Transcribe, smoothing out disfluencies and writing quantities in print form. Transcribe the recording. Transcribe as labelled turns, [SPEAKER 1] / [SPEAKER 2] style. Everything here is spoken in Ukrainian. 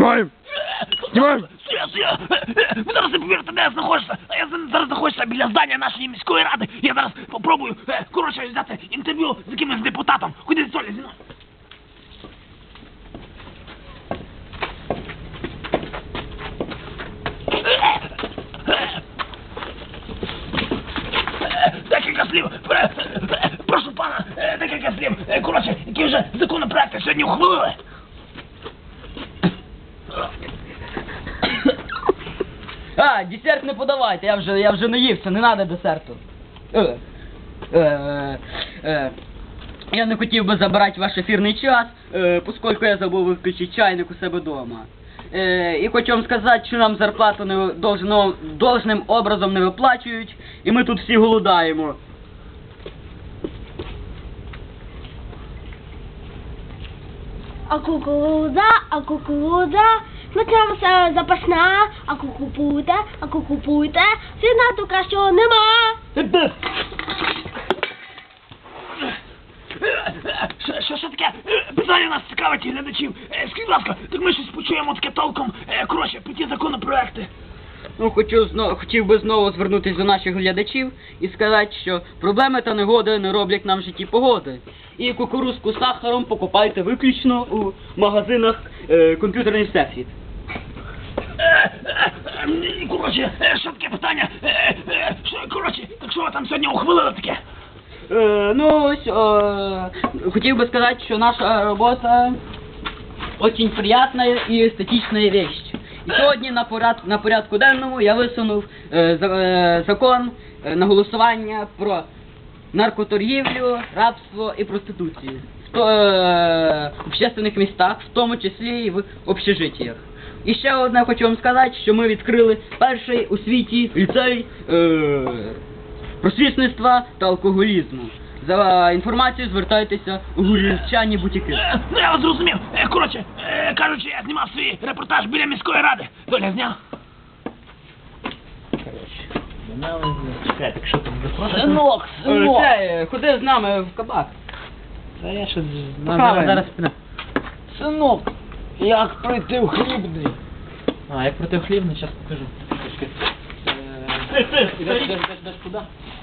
[SPEAKER 1] Знімаємо! Знімаємо!
[SPEAKER 2] Стоя! Ви зараз не повірите, де я знаходжуся. А я зараз знаходжуся біля здання нашої міської ради. Я зараз попробую, коротше, взяти інтерв'ю з якимось депутатом. Ходіть, Соля, зі мною. Декілька слів. Прошу пана, декілька слів. Коротше, які вже законопроекти сьогодні ухвалили.
[SPEAKER 3] А, десерт не подавайте, я вже наївся, не треба десерту. Я не хотів би забирати ваш ефірний час, поскольку я забув виключити чайник у себе вдома. І хочу вам сказати, що нам зарплату должним образом не виплачують, і ми тут всі голодаємо.
[SPEAKER 4] А кукурудза, сметана запашна, а кукупуйте, сина то кращого нема.
[SPEAKER 2] Що таке? Питання нас цікавить глядачів. Скажіть, будь ласка, так ми щось почуємо таке толком. Коротше, про ті законопроекти.
[SPEAKER 3] Ну, хотів би знову звернутися до наших глядачів і сказати, що проблеми та негоди не роблять нам в житті погоди. І кукурузку з сахаром покупайте виключно у магазинах комп'ютерний всесвіт.
[SPEAKER 2] Коротше, що таке питання? Коротше, так що ви там сьогодні ухвалили таке?
[SPEAKER 3] Хотів би сказати, що наша робота очень приятная и эстетичная вещь. І сьогодні на порядку денному я висунув закон на голосування про наркоторгівлю, рабство і проституцію в общественних містах, в тому числі і в общежитіях. І ще одне хочу вам сказати, що ми відкрили перший у світі ліцей просвітництва та алкоголізму. За інформацією звертайтеся у Гурівчані бутіки.
[SPEAKER 2] Ну я вас зрозумів. Коротше, кажучи, я знімав свій репортаж біля міської ради. Доля зняв.
[SPEAKER 5] Чекай, так що там запросити?
[SPEAKER 3] Синок! Ходи з нами в кабак.
[SPEAKER 5] Та я ще
[SPEAKER 3] Похаваємо.
[SPEAKER 5] зараз піде. Синок, як пройти в хлібний? А, як пройти в хлібний, зараз покажу. Ідеш куди?